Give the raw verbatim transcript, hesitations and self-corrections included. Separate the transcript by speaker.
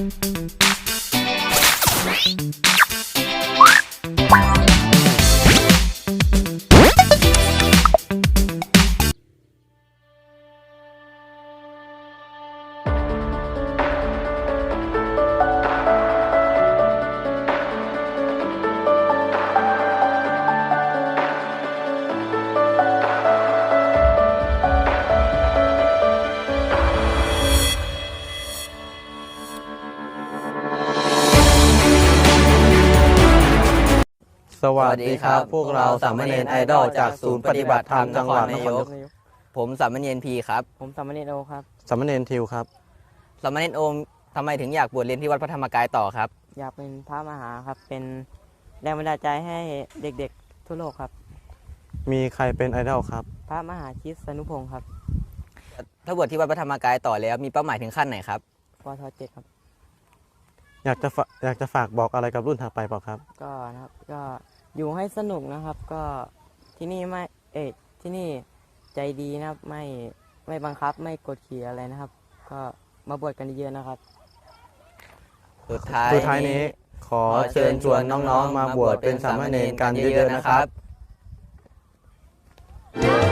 Speaker 1: สวัสดีครับพวกเราสามเณรไอดอลจากศูนย์ปฏิบัติธรรมจังหวัดนครนายก
Speaker 2: ผมสามเณรพีครับ
Speaker 3: ผมสามเณรโอครับ
Speaker 1: สามเณรทิวครับ
Speaker 2: สามเณรโอมทำไมถึงอยากบวชเรียนที่วัดพระธรรมกายต่อครับ
Speaker 3: อยากเป็นพระมหาครับเป็นแรงบันดาลใจให้เด็กๆทั่วโลกครับ
Speaker 1: มีใครเป็นไอดอลครับ
Speaker 3: พระมหาชิตสนุพงศ์ครับ
Speaker 2: ถ้าบวชที่วัดพระธรรมกายต่อแล้วมีเป้าหมายถึงขั้นไหนครับ
Speaker 3: ปทเจ็ดครับ
Speaker 1: อยากจะอยากจะฝากบอกอะไรกับรุ่นถัดไปเปล่าครับ
Speaker 3: ก็นะครับก็อยู่ให้สนุกนะครับก็ที่นี่ไม่เอ๊ะที่นี่ใจดีนะครับไม่ไม่บังคับไม่กดขี่อะไรนะครับก็มาบวชกันเยอะนะครับ
Speaker 2: สุดท้าย
Speaker 1: สุดท้ายนี้ขอเชิญชวนน้องๆมาบวชเป็นสามเณรกันเยอะๆนะครับ